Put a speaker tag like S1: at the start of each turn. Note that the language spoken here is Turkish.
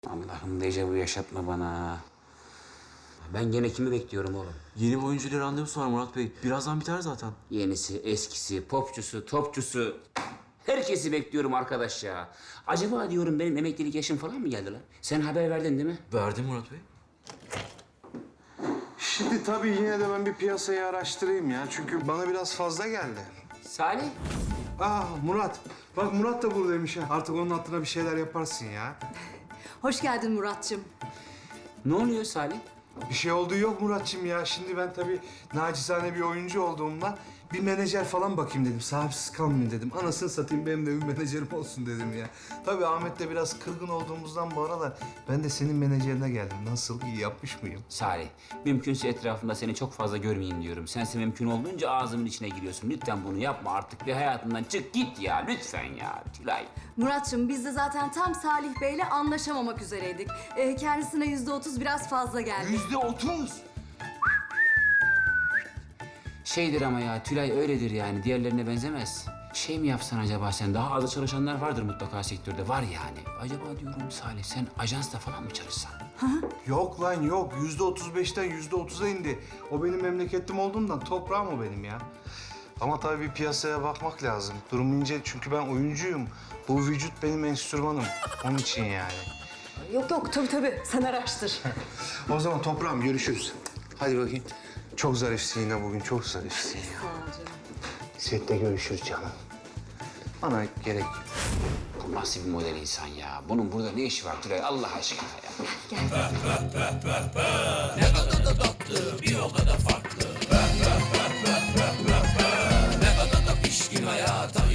S1: Allah'ım dejavu yaşatma bana. Ben gene kimi bekliyorum oğlum?
S2: Yeni bir oyuncuyla randevusu var Murat Bey. Birazdan biter zaten.
S1: Yenisi, eskisi, popçusu, topçusu. Herkesi bekliyorum arkadaş ya. Acaba diyorum benim emeklilik yaşım falan mı geldi lan? Sen haber verdin değil mi?
S2: Verdim Murat Bey.
S3: Şimdi tabii yine de ben bir piyasayı araştırayım ya. Çünkü bana biraz fazla geldi.
S1: Salih.
S3: Murat. Bak Murat da buradaymış ha. Artık onun hatırına bir şeyler yaparsın ya.
S4: Hoş geldin Muratçım.
S1: Ne oluyor Salih?
S3: Bir şey olduğu yok Muratçım ya. Şimdi ben tabii nacizane bir oyuncu olduğumdan bir menajer falan bakayım dedim. Sahipsiz kalmayayım dedim. Anasını satayım benim de bir menajerim olsun dedim ya. Tabii Ahmet'le biraz kırgın olduğumuzdan bu aralar ben de senin menajerine geldim. Nasıl, iyi yapmış mıyım?
S1: Salih, mümkünse etrafımda seni çok fazla görmeyeyim diyorum. Sense mümkün olduğunca ağzımın içine giriyorsun. Lütfen bunu yapma artık ve hayatımdan çık git ya. Lütfen ya Tülay.
S4: Muratçım biz de zaten tam Salih Bey'le anlaşamamak üzereydik. Kendisine %30 biraz fazla geldi.
S3: %30.
S1: Şeydir ama ya Tülay öyledir yani. Diğerlerine benzemez. Şey mi yapsan acaba sen? Daha az çalışanlar vardır mutlaka sektörde. Var yani. Acaba diyorum Salih sen ajansla falan mı çalışsan?
S3: Yok lan yok. %35'ten %30'a indi. O benim memleketim olduğundan toprağım o benim ya. Ama tabii bir piyasaya bakmak lazım. Durum ince çünkü ben oyuncuyum. Bu vücut benim enstrümanım. Onun için yani.
S4: Yok tabii sen araştır.
S3: O zaman toprağım görüşürüz. Hadi bakayım. Çok zarifsin yine bugün, çok zarifsin.
S4: Sağ ol canım.
S3: Sette görüşürüz canım. Bana gerek yok.
S1: Bu nasıl bir model insan ya? Bunun burada ne işi var Tülay Allah aşkına ya?
S5: Pişkin hayata